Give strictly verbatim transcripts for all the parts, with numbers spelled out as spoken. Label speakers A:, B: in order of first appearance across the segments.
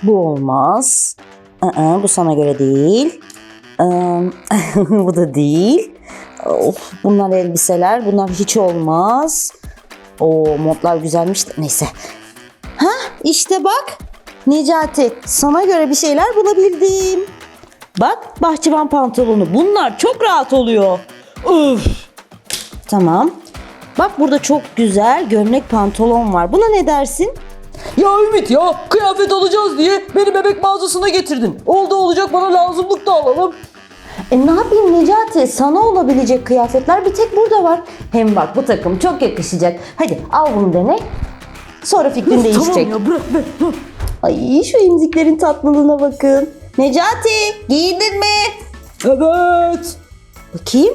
A: Bu olmaz. Aa, bu sana göre değil. Aa, bu da değil. Of, bunlar elbiseler. Bunlar hiç olmaz. O montlar güzelmiş de. Neyse. Hah, işte bak. Necati, sana göre bir şeyler bulabildim. Bak, bahçıvan pantolonu. Bunlar çok rahat oluyor. Üf. Tamam. Bak, burada çok güzel gömlek pantolon var. Buna ne dersin?
B: Ya Ümit ya, kıyafet alacağız diye beni bebek mağazasına getirdin. Oldu olacak, bana lazımlık da alalım.
A: E ne yapayım Necati? Sana olabilecek kıyafetler bir tek burada var. Hem bak, bu takım çok yakışacak. Hadi al bunu dene. Sonra fikrin değişecek.
B: Tamam ya, bırak be.
A: Ay, şu emziklerin tatlılığına bakın. Necati, giyindin mi?
B: Evet.
A: Bakayım.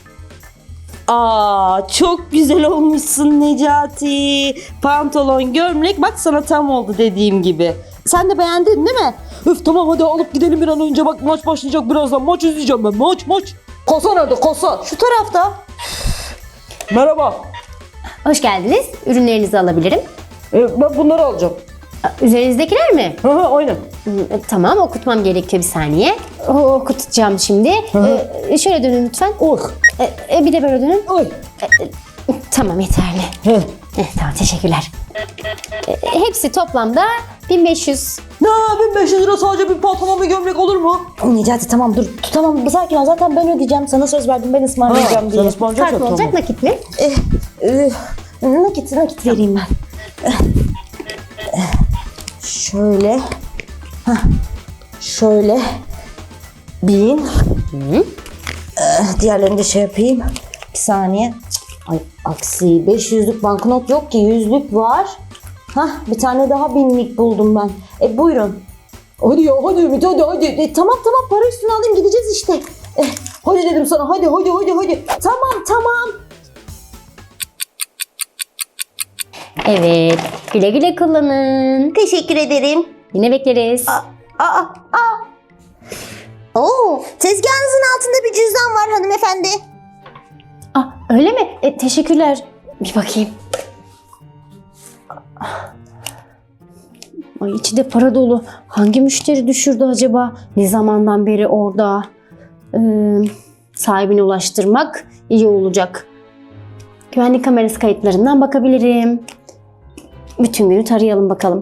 A: Aa, çok güzel olmuşsun Necati. Pantolon, gömlek, bak sana tam oldu dediğim gibi. Sen de beğendin değil mi?
B: Öf tamam, hadi alıp gidelim bir an önce, bak maç başlayacak birazdan. Maç izleyeceğim ben, maç maç. Kasa nerede, kasa?
A: Şu tarafta.
B: Merhaba.
C: Hoş geldiniz. Ürünlerinizi alabilirim.
B: Ee, ben bunları alacağım.
C: Üzerinizdekiler mi?
B: Hı hı, aynen.
C: Hı, Tamam, okutmam gerekiyor, bir saniye. O, okutacağım şimdi. Ee, şöyle dönün lütfen.
B: Oh.
C: Ee, e, bir de böyle dönün.
B: Ay.
C: Tamam, yeterli.
B: Heh.
C: Eh, tamam, teşekkürler. Ee, hepsi toplamda bin beş yüz.
B: Ne, bin beş yüz lira sadece bir pantolon ve gömlek olur mu?
A: Necati tamam dur. Tamam, sakin ol. Zaten ben ödeyeceğim. Sana söz verdim, ben ısmarlayacağım
B: Ha,
A: diye.
B: sen ısmarlayacaksan
C: Kart mı olacak,
B: tamam.
C: nakit mi?
A: Eh, eh, nakit, nakit vereyim ben. Eh, eh, Şöyle. Hah, şöyle. Bin. Eh, diğerlerini de şey yapayım. Bir saniye. Ay aksi. beş yüzlük banknot yok ki. Yüzlük var. Hah, bir tane daha binlik buldum ben. E buyurun.
B: Hadi ya, hadi Ümit, hadi hadi.
A: E, tamam tamam, para üstüne alayım, gideceğiz işte. Eh,
B: Hadi dedim sana, hadi hadi hadi hadi.
A: tamam tamam.
C: Evet, güle güle kullanın.
A: Teşekkür ederim.
C: Yine bekleriz.
A: Aa, aa, aa. Oo, tezgahınızın altında bir cüzdan var hanımefendi.
C: Ah, öyle mi? E, teşekkürler. Bir bakayım. Ay, içi de para dolu. Hangi müşteri düşürdü acaba? Ne zamandan beri orada? Ee, sahibine ulaştırmak iyi olacak. Güvenlik kamerası kayıtlarından bakabilirim. Bütün günü tarayalım bakalım.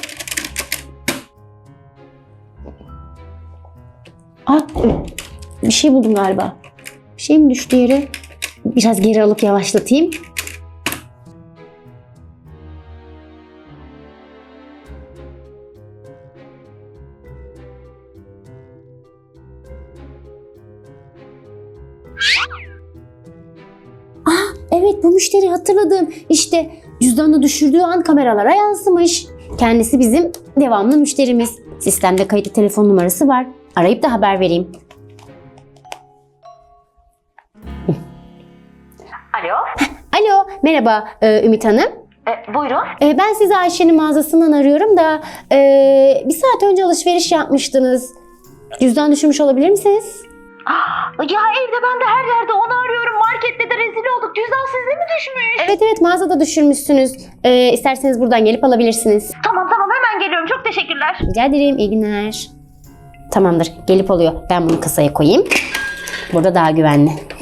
C: Ah, bir şey buldum galiba. Bir şey mi düştü yere? Biraz geri alıp yavaşlatayım. Evet, bu müşteri, hatırladım. İşte cüzdanını düşürdüğü an kameralara yansımış. Kendisi bizim devamlı müşterimiz. Sistemde kayıtlı telefon numarası var. Arayıp da haber vereyim.
A: Alo.
C: Alo, merhaba e, Ümit Hanım.
A: E, buyurun.
C: E, ben sizi Ayşe'nin mağazasından arıyorum da e, bir saat önce alışveriş yapmıştınız. Cüzdan düşürmüş olabilir misiniz?
A: Ya evde, ben de her yerde onu arıyorum. Markette de rezil olduk. Cüzdan sizde mi düşmüş?
C: Evet evet, mağazada düşürmüşsünüz. E, isterseniz buradan gelip alabilirsiniz.
A: Tamam tamam, hemen geliyorum. Çok teşekkürler.
C: Rica ederim, iyi günler. Tamamdır, gelip oluyor. Ben bunu kasaya koyayım. Burada daha güvenli.